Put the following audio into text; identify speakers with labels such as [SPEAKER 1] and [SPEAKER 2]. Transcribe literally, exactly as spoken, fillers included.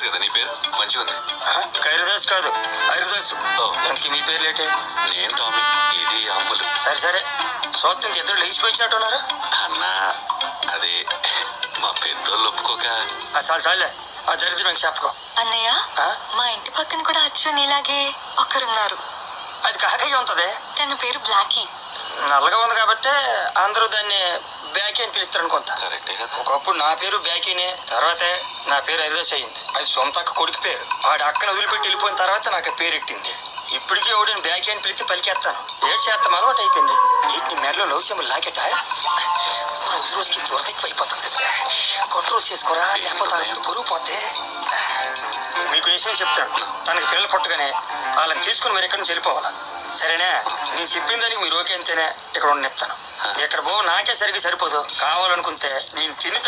[SPEAKER 1] కదా నీ పేరు? మంచిగా ఉంది.
[SPEAKER 2] ఖైరదాస్ కాదు, హరిదాసు. అందుకే మీ పేరు లేటే?
[SPEAKER 1] నేను టామీ, ఇది అంబులు.
[SPEAKER 2] సరే సరే, సోత్తం ఇద్దరు లేచిపోయినట్టున్నారు.
[SPEAKER 1] అన్నా అదే మా పెద్దోళ్ళు ఒప్పుకోక.
[SPEAKER 2] చాలు చాలులే, ఆ దరిద్రం చెప్పకో.
[SPEAKER 3] అన్నయ్య, మా ఇంటి పక్కన కూడా అచ్చు నీలాగే ఒకరున్నారు.
[SPEAKER 2] అది కాకయ్య ఉంటది.
[SPEAKER 3] తన పేరు బ్లాకీ.
[SPEAKER 2] నల్లగా ఉంది కాబట్టి అందరూ దాన్ని బ్యాకీ అని పిలుస్తారు అనుకుంటా. ఒకప్పుడు నా పేరు బ్యాకీనే, తర్వాత నా పేరు హరిదాస్ అయింది. అది సొంత అక్క కొడుకు పేరు. వాడి అక్కను వదిలిపెట్టి వెళ్ళిపోయిన తర్వాత నాకు పేరు ఎట్టింది. ఇప్పటికీ ఎవడిని బ్యాకీ అని పిలిచి పలికేస్తాను. ఏడు చేస్తాం అలవాటు అయిపోయింది. వీటిని మెడలో లవ్ సింబల్ లాకెట రోజు రోజుకి దూరం ఎక్కువ అయిపోతుంది. కంట్రోల్ చేసుకోరా, లేకపోతే బరువు పోతే. మీకు విషయం చెప్తాను, తనకి పిల్లలు పుట్టగానే వాళ్ళని తీసుకుని మీరు ఎక్కడి నుంచి వెళ్ళిపోవాలా, సరేనా? నేను చెప్పిన దానికి మీరు ఓకే అంతేనే ఇక్కడ ఉండనిస్తాను. ఇక్కడ పో నాకే సరిగ్గా సరిపోదు. కావాలనుకుంటే నేను తిని